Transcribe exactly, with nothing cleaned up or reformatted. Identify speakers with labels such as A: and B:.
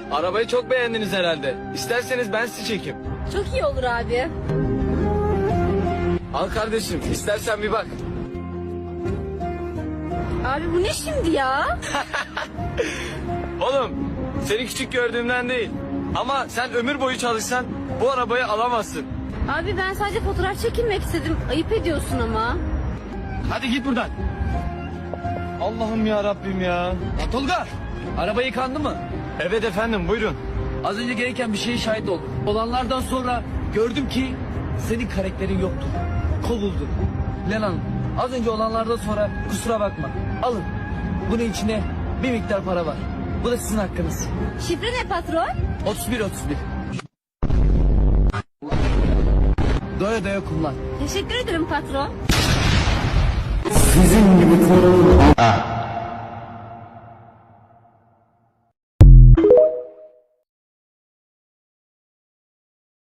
A: Arabayı çok beğendiniz herhalde. İsterseniz ben sizi çekeyim.
B: Çok iyi olur abi.
A: Al kardeşim, istersen bir bak.
B: Abi bu ne şimdi ya?
A: Oğlum, seni küçük gördüğümden değil. Ama sen ömür boyu çalışsan bu arabayı alamazsın.
B: Abi ben sadece fotoğraf çekilmek istedim. Ayıp ediyorsun ama.
A: Hadi git buradan. Allah'ım ya Rabbim ya.
C: Ya Tolga, araba yıkandı mı?
A: Evet efendim, buyurun.
C: Az önce gereken bir şeye şahit oldum. Olanlardan sonra gördüm ki senin karakterin yoktu. Kovuldun. Len Hanım, az önce olanlardan sonra kusura bakma. Alın. Bunun içine bir miktar para var. Bu da sizin hakkınız.
B: Şifre ne patron?
C: otuz bir otuz bir. Doya doya kullan.
B: Teşekkür ederim patron.
D: Sizin gibi torun...